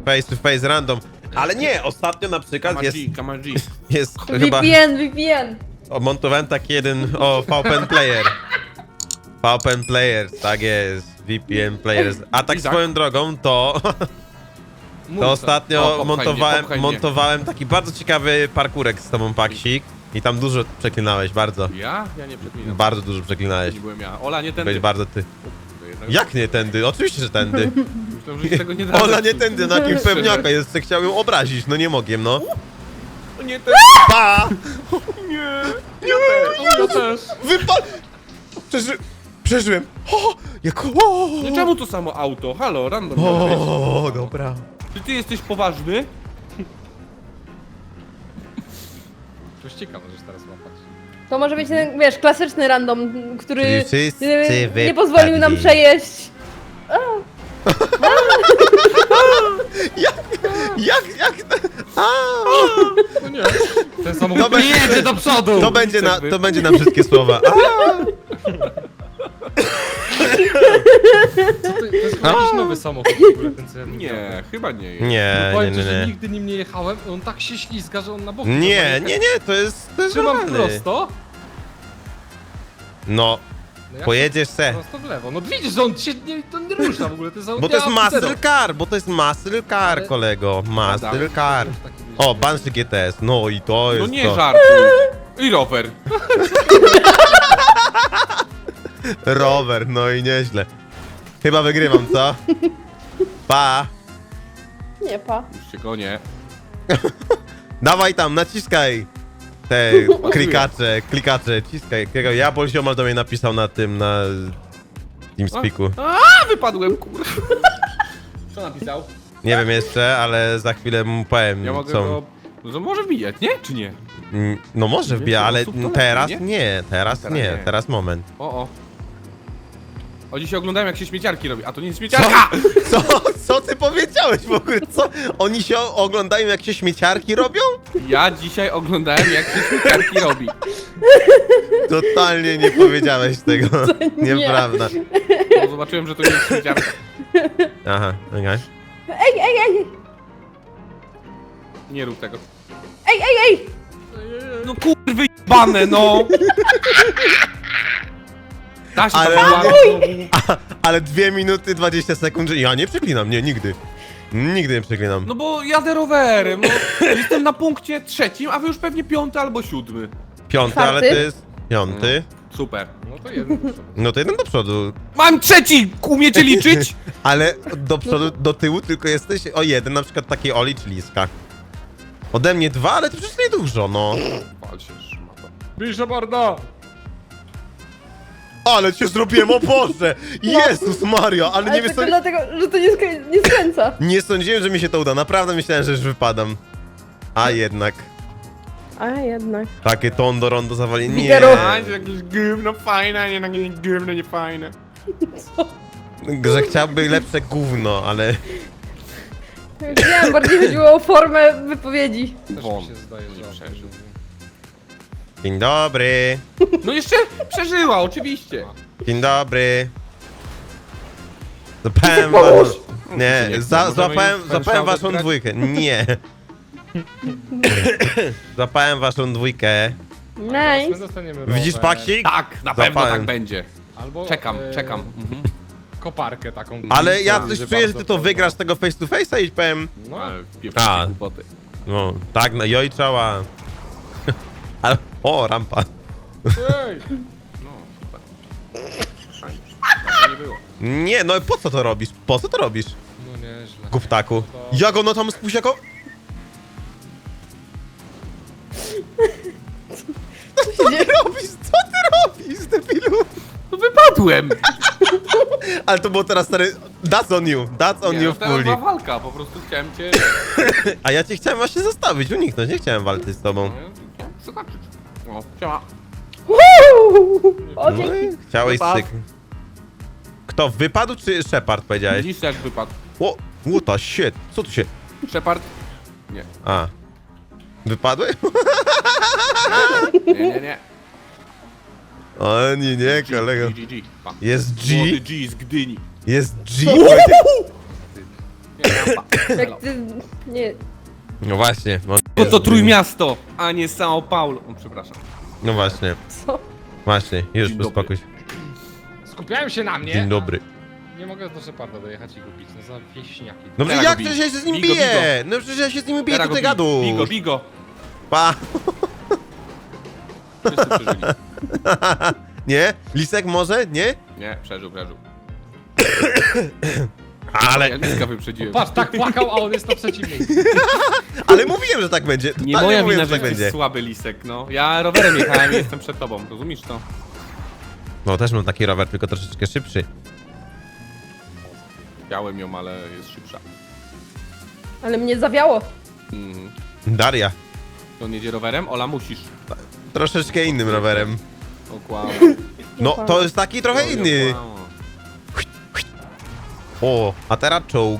face to face random. Ale nie, ostatnio na przykład jest chyba... VPN. Montowałem taki jeden, VPN Player. VPN Player, tak jest. VPN Players. A tak swoją drogą, to ostatnio montowałem taki bardzo ciekawy parkurek z tobą, Paksik. I tam dużo przeklinałeś, bardzo. Ja? Ja nie przeklinam. Bardzo dużo przeklinałeś. Nie byłem ja. Ola, nie tędy. Byłeś bardzo ty. Jak nie tędy? Oczywiście, że tędy. Myślałem, że się tego nie da. Ola nie tędy, na kim pewniaka jest, chciał ją obrazić, no nie mogłem, no. Nie tędy. Pa! Ja też. Wypal! Przeżyłem. O, jak... O, Nie, czemu to samo auto? Halo, random miał być. o, dobra. Czy ty jesteś poważny? To ścieka możesz teraz łapać. To może być ten, wiesz, klasyczny random, który Czyli wszyscy nie pozwolił nam wypadli. przejeść. Jak... A, No nie. Ten samochód nie jedzie do przodu! to będzie na wszystkie słowa. A, To jest chyba jakiś nowy samochód w ogóle, ten co ja Nie, chyba nie jest. nie, No powiem ci, nie, że nie. nigdy nim nie jechałem, on tak się ślizga, że on na boku. Nie, to jest Trzymam normalny. prosto. No, No jak pojedziesz se. prosto w lewo. No widzisz, że on się nie rusza w ogóle, to jest Bo to jest muscle car, Ale- kolego. Muscle car. O, Banshee GTS, no i to No jest nie to. żartuj. I rower. Rower, no i nieźle. Chyba wygrywam, co? Pa! Nie, pa. Już się gonię. Dawaj tam, naciskaj! Te klikacze, ciskaj. Jabol Ziomal do mnie napisał na tym, na TeamSpeaku. A, wypadłem, kurwa. Co napisał? Nie wiem jeszcze, ale za chwilę mu powiem, Ja mogę co... go... No to może wbijać, nie? Czy nie? No może wbija, Więcej ale osób to teraz lepiej, nie, teraz nie, teraz moment. O. O, dzisiaj oglądałem, jak się śmieciarki robi. A to nie jest śmieciarka! Co ty powiedziałeś w ogóle? Co? Oni się oglądają, jak się śmieciarki robią? Ja dzisiaj oglądałem, jak się śmieciarki robi. Totalnie nie powiedziałeś tego. nie. Nieprawda. Bo zobaczyłem, że to nie jest śmieciarka. Aha, okej. Ej! Nie rób tego. Ej! No kurwy jebane, no! Da się Ale- tam Ale 2 minuty 20 sekund, że ja nie przeklinam, nie, nigdy. Nigdy nie przeklinam. No bo jadę rowerem, no. Jestem na punkcie 3, a wy już pewnie 5 albo 7. 5, ale to jest 5. Super. No to jeden. No to jeden do przodu. Mam 3! Umiecie liczyć? Ale do przodu, do tyłu tylko jesteś o 1, na przykład takiej Oli czy Liska. Ode mnie 2, ale to przecież nie dużo, no. Pal się szmato. Bierze barda! Ale cię zrobiłem, o Boże! Jezus Mario, ale nie Ale wiesz tylko co... dlatego, że to nie skręca. Nie sądziłem, że mi się to uda, naprawdę myślałem, że już wypadam. A jednak. A jednak. Takie tondo rondo zawali. Nie. Figaro. A, jest jakieś gówno fajne, a nie jakieś gówno niefajne. Że chciałby lepsze gówno, ale... Wiem, bardziej chodziło o formę wypowiedzi. Też mi Won. się zdaje, że on przeżył. Dzień dobry. No jeszcze przeżyła, oczywiście. Dzień dobry. Złapałem Nie, Nie, złapałem możemy waszą grać? dwójkę. Nie. Złapałem waszą dwójkę. Nice. My dostaniemy rower, Widzisz, Paksik? Tak, na pewno Zapałem. tak będzie. Albo Czekam. Mhm. koparkę taką. Ale ja Tak, coś że czuję, że ty bardzo to fajną. wygrasz tego face to face'a i powiem... No, Ale A. pieprzcie głupoty. No, tak, no joj czała. Ale... O, rampa. ej! No, super. Fajnie. Tak nie było. Nie, no po co to robisz? Po co to robisz? No nieźle. Guptaku. Jak ono tam spuść jako... Co ty robisz? Co ty robisz, debilu? No wypadłem! Ale to było teraz stary... That's on you. That's on Nie, you no, teraz fully. była walka, po prostu chciałem cię... A ja cię chciałem właśnie zostawić, uniknąć. Nie chciałem walczyć z tobą. Zobaczyć. O, siema. O, No dzięki. i chciałeś Wypadł. syk. Kto, wypadł czy Shepard powiedziałeś? Widzisz jak wypadł. O, what the shit. Co tu się... Shepard? Nie. A. Wypadły? Nie. O nie, kolego. G. Pa. Jest G. Młody G z Gdyni. Jest G. Jak ty... Nie... No właśnie. Bo to Trójmiasto, a nie São Paulo. O, przepraszam. No właśnie, Co? właśnie. Już Dzień dobry. uspokój się. Skupiałem się na mnie. Dzień dobry. a Nie mogę do Szeparda dojechać i go bić, no za wieśniaki. No Teraz jak go przecież bij. ja się z nim Bij go, bij biję? No przecież ja się z nim biję, Teraz to ty go gadu. Bigo, bigo. Pa. Wszyscy przeżyli. Nie? Lisek może? Nie? Nie, przeżył. Ale, Ja Liska wyprzedziłem. Patrz, tak płakał, a on jest na trzecim miejscu. ale mówiłem, że tak będzie. Nie Totalnie moja mówiłem, wina, że że tak jesteś będzie. słaby Lisek, no. Ja rowerem jechałem i jestem przed tobą, rozumiesz to? No też mam taki rower, tylko troszeczkę szybszy. Miałem ją, ale jest szybsza. Ale mnie zawiało. Mhm. Daria. To on jedzie rowerem? Ola, musisz. Troszeczkę innym rowerem. Okłamał. No, to jest taki trochę inny. O, a teraz czołg.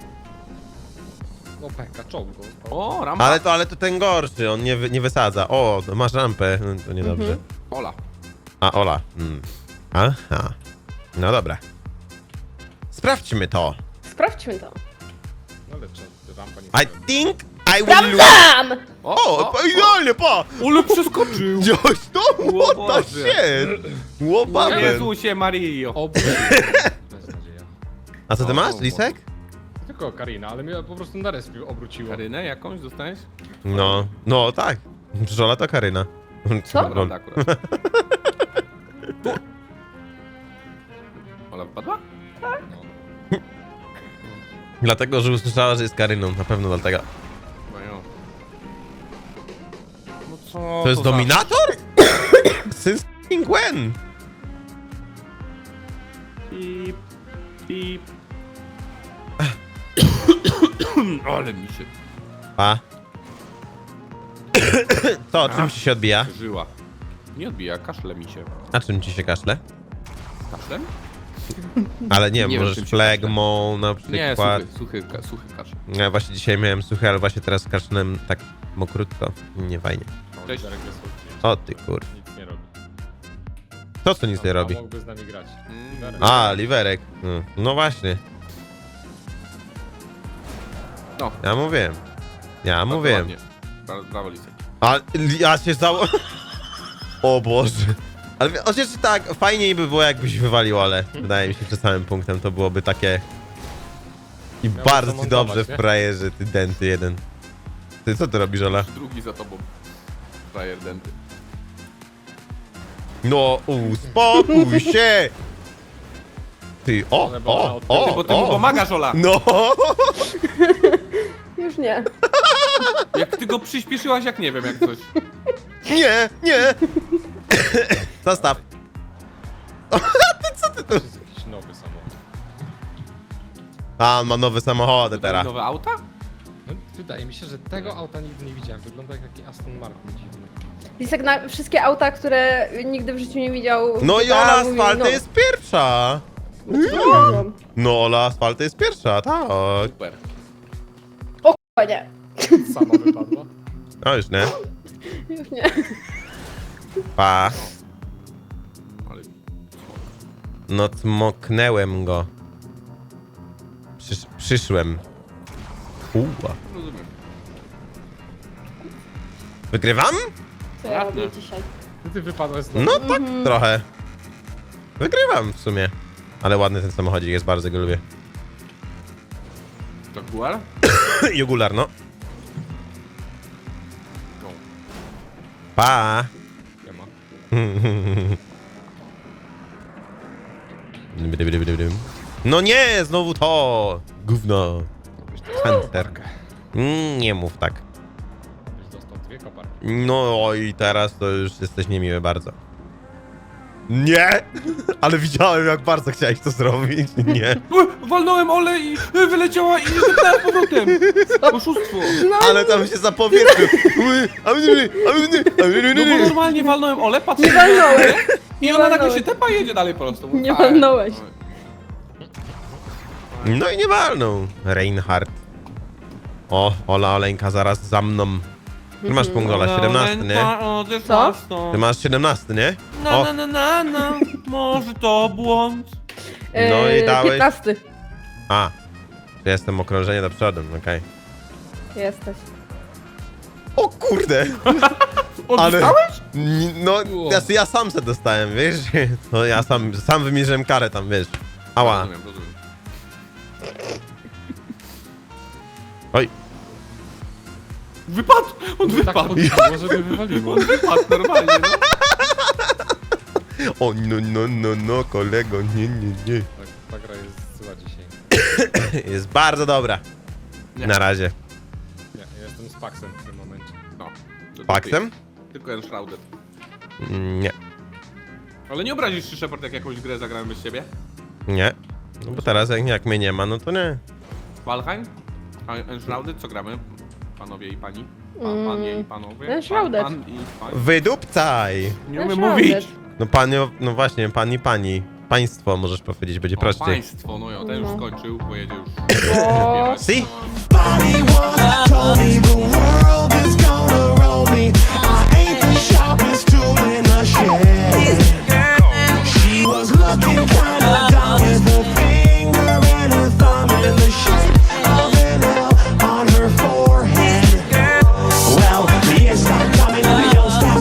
No peka, czołg go. O, rampa. Ale to ten gorszy, on nie wysadza. O, to masz rampę. No, to niedobrze. Ola. A, Ola. Aha. No dobra. Sprawdźmy to. Sprawdźmy to. No ale czy rampa nie I think I will lose. Tam! O, idealnie, pa! Ole przeskoczył! Wziąłeś to? O What the Boże. shit? Łopawem. Jezusie Mario. Beznadzieja. A co ty O, masz, Boże. Lisek? Tylko Karina, ale mnie po prostu na respiu obróciło. Karynę jakąś dostałeś? No tak. Przecież Ola to Karyna. Co? Prawda akurat. Tu. Ola wypadła? No. Dlatego, że usłyszała, że jest Karyną. Na pewno dlatego. No jo. No co To jest za- Dominator? Since when? Pip, pip. Ale mi się A? Co, czym ci się odbija? żyła. Nie odbija, kaszle mi się. A czym ci się kaszle? Kaszlem? Ale nie, Nie wiem, możesz czym się flegmą na Nie, przykład. suchy kaszel. Ja właśnie dzisiaj miałem suchy, ale właśnie teraz kaszlem tak mokrutko. Nie fajnie. Cześć. Darek jest odcięty. O ty kur... Nic nie robi. To co nic nie A robi? mógłby z nami grać. Mm. Darek. A, liwerek. No właśnie. No. Ja mówiłem. Ja mówiłem. Ładnie. Brawo, Lisek. A ja się zało... O Boże. Ale chociaż tak, fajniej by było jakbyś wywalił, ale wydaje mi się, że samym punktem to byłoby takie... I Miałby bardzo to ci montować, dobrze w nie? frajerze, ty denty jeden. Ty co ty robisz, Ola? Drugi za tobą. Frajer denty. No, uspokój się! Ty, o, Ale bo ona o, odpycha. Ty, bo ty mu o! pomagasz, Ola. No! Już nie. Jak ty go przyspieszyłaś, jak nie wiem, jak coś. Nie, nie! Zostaw. To jest jakiś nowy samochód. A, on ma nowe samochody teraz. Nowe auta? No, wydaje mi się, że tego auta nigdy nie widziałem. Wygląda jak taki Aston Martin dziwny. Lisek na wszystkie auta, które nigdy w życiu nie widział. No i GTA, Ola mówi, Asfalty no. jest pierwsza! No. No, Ola Asfalty jest pierwsza, tak. Super. O k***a, nie. Sama wypadła. No już nie. Już nie. Pa. Ale... No, cmoknęłem go. Przyszłem. Uła. Rozumiem. Wygrywam? Co ja Ładne. robię dzisiaj? Ty wypadłeś znowu. No tak, trochę. Wygrywam w sumie. Ale ładny ten samochodzik jest, bardzo go lubię. To Guar? Jugular, no. No. Pa. Nie ma. No nie, znowu to! Gówno. Center. Nie mów tak. Byś dostał 2 koparki. No i teraz to już jesteś niemiły bardzo. Nie! Ale widziałem, jak bardzo chciałeś to zrobić. Nie. Walnąłem Ole i wyleciała i zepnęła z powrotem. Oszustwo. Ale tam się zapowietrzył. No bo normalnie walnąłem Ole, patrzę Nie walnąłeś. i ona nagle się tepa i jedzie dalej prosto. Mówię, Nie fajnie. walnąłeś. No i nie walnął. Reinhardt. O, Ola Oleńka zaraz za mną. Ty masz punkt, Ola, 17, nie? Co? Ty masz 17, nie? O, Może to błąd. No i dałeś- 15. a. Czy jestem okrążenie do przodu, okej. Jesteś. O kurde! Odstałeś? No, Wow. ja sam se dostałem, wiesz? No ja sam wymierzyłem karę tam, wiesz. Ała. Rozumiem. Oj. Wypadł! On Tak wypadł! podbiło, żeby wywaliło. On wypadł normalnie, no. O, no, kolego, nie. Tak, ta gra jest zła dzisiaj. Jest bardzo dobra. Nie. Na razie. Nie, ja jestem z Paxem w tym momencie. No. to Paxem? Tylko Enshrouded. Nie. Ale nie obrazisz się, Shepard, jak jakąś grę zagrałem bez ciebie? Nie. No bo teraz jak mnie nie ma, no to nie. Valheim? A Enshrouded? Co gramy? Panowie i pani? Panie i panowie? Enshrouded. Pan i pani? Wydupcaj! Nie umiem Enshrouded. mówić! No panio, no właśnie, pani. Państwo możesz powiedzieć, będzie O, prościej. państwo, no jo, ten już No. skończył, bo jedzie już. O. Si? Body